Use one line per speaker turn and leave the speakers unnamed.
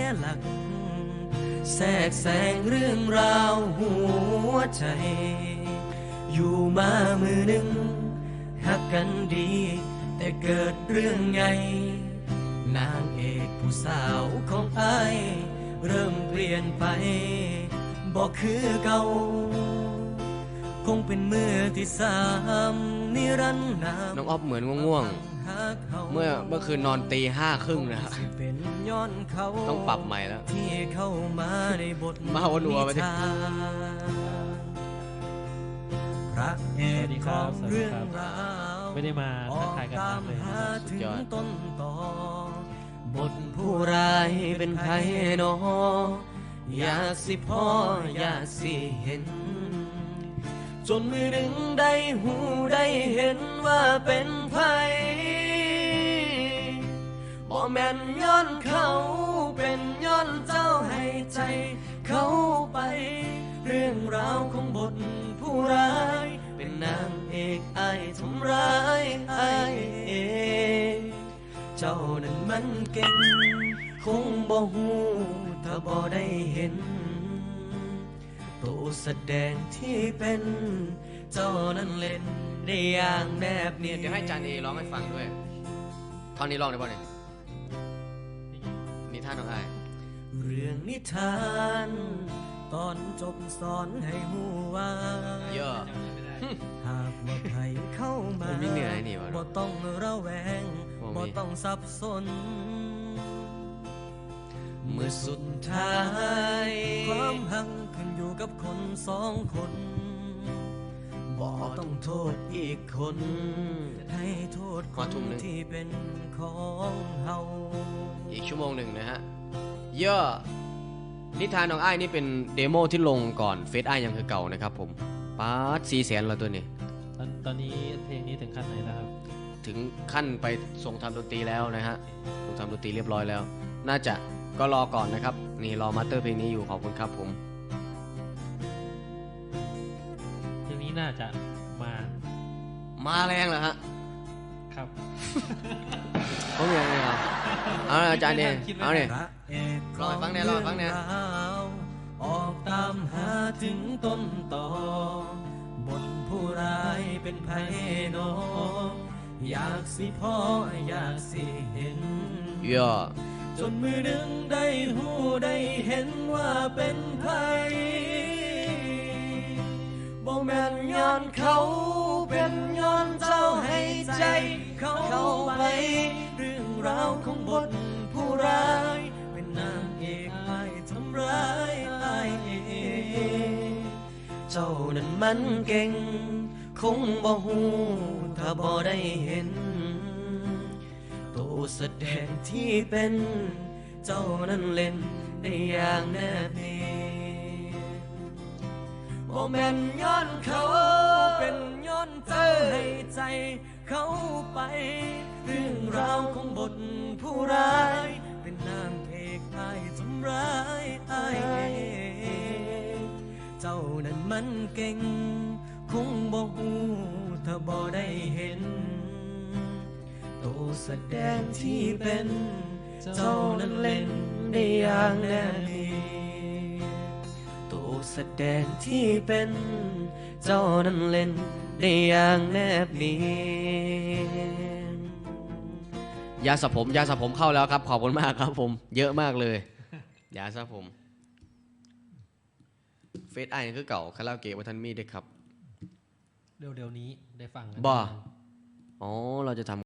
หลักแทรกแซงเรื่องราวหัวใจอยู่มามือหนึ่งหักกันดีแต่เกิดเรื่องไงนางเอกผู้สาวของอ้ายเริ่มเปลี่ยนไปบอกคือเก่าคงเป็นมือที่สามนิรันดร์นาม
น้องอ๊อฟเหมือนง่วงๆเมื่อคืนนอนตี 5:30นะครับต้องปรับใหม่แล้ว
ที่เข้ามาในบท
มาวัวไปดิ
พระเอกของเรื่องราว
ไม่ได้มาทักทายกันมากเลย
สุดยอด
ต้นต่อบทผู้ร้ายเป็นใครหนออยากสิพ่ออยากสิเห็นจนมือหนึ่งได้หูได้เห็นว่าเป็นไผบ่แม่นย้อนเขาเป็นย้อนเจ้าให้ใจเขาไปเรื่องราวของบทผู้ร้ายเป็นนางเอกอ้ายทำร้ายอ้ายเองเจ้านั้นมันเก่งคงบ่ฮู้ถ้าบ่ได้เห็นตัวแสดงที่เป็นเจ้านั้นเล่นได้อย่างแนบเนียน
เดี๋ยวให้จานเอร้องให้ฟังด้วยท่อนนี้ร้องได้ป่ะเนี่ยนิทานน้องอ้าย
เรื่องนิทานตอนจบสอนให้ฮู้ว่า
เยอะ
หากว่าใครเข้ามาบ่ต้องระแวงบ่ต้องสับสนเมื่อสุดท้ายความหักขึ้นอยู่กับคนสองคนบ่ต้องโทษอีกคนให้โทษคนที่เป็นของเฮา
อีกชั่วโมงหนึ่งนะฮะเยอะนิทานน้องอ้ายนี่เป็นเดโมที่ลงก่อนเฟซอ้ายยังคือเก่านะครับผมป๊าด400,000แล้วตัวนี้
ตอนนี้เพลงนี้ถึงขั้นไหนแล้วครับ
ถึงขั้นไปส่งทำดนตรีแล้วนะฮะส่งทำดนตรีเรียบร้อยแล้วน่าจะก็รอก่อนนะครับนี่รอมาสเตอร์เพลงนี้อยู่ขอบคุณครับผม
เพลงนี้น่าจะ
มาแรงเหรอฮะ
ครับ
เขามีอะไรครับเอาอาจารย์เนี่ยเอาเนี่ยรอฟังเนี่ยรอฟังเนี่ย
ออกตามหาถึงต้นต่อบทผู้ร้ายเป็นไผโนอยากสิพ่ออยากสิเห็นจนมือหนึ่งได้หูได้เห็นว่าเป็นไผบ่แม่นย้อนเขาเป็นย้อนเจ้าให้ใจเขาไปเรื่องราวของบทผู้ร้ายเป็นนางเอกอ้ายทำร้ายอ้ายเองเจ้านั้นมันเก่งคงบ่ฮู้ถ้าบ่ได้เห็นตัวแสดงที่เป็นเจ้านั้นเล่นได้อย่างแนบเนียนบ่แม่นย้อนเขาเป็นย้อนเจ้าให้ใจเขาไปเรื่องราวของบทผู้ร้ายเป็นนางเอกอ้ายทำร้ายอ้ายเองเจ้านั้นมันเก่งคงบ่ฮู้ถ้าบ่ได้เห็นตัวแสดงที่เป็นเจ้านั้นเล่นได้อย่างแน่นตัวแสดงที่เป็นเจ้านั้นเล่นได้อย่างแนบเนียน
ยาสระผมเข้าแล้วครับขอบคุณมากครับผมเยอะมากเลยยาสระผมเฟซไอคือเก่าคาราโอเกะวัฒนมีด้วยครับ
เดี๋ยวนี้ได้ฟัง
บ่อ๋อเราจะทำ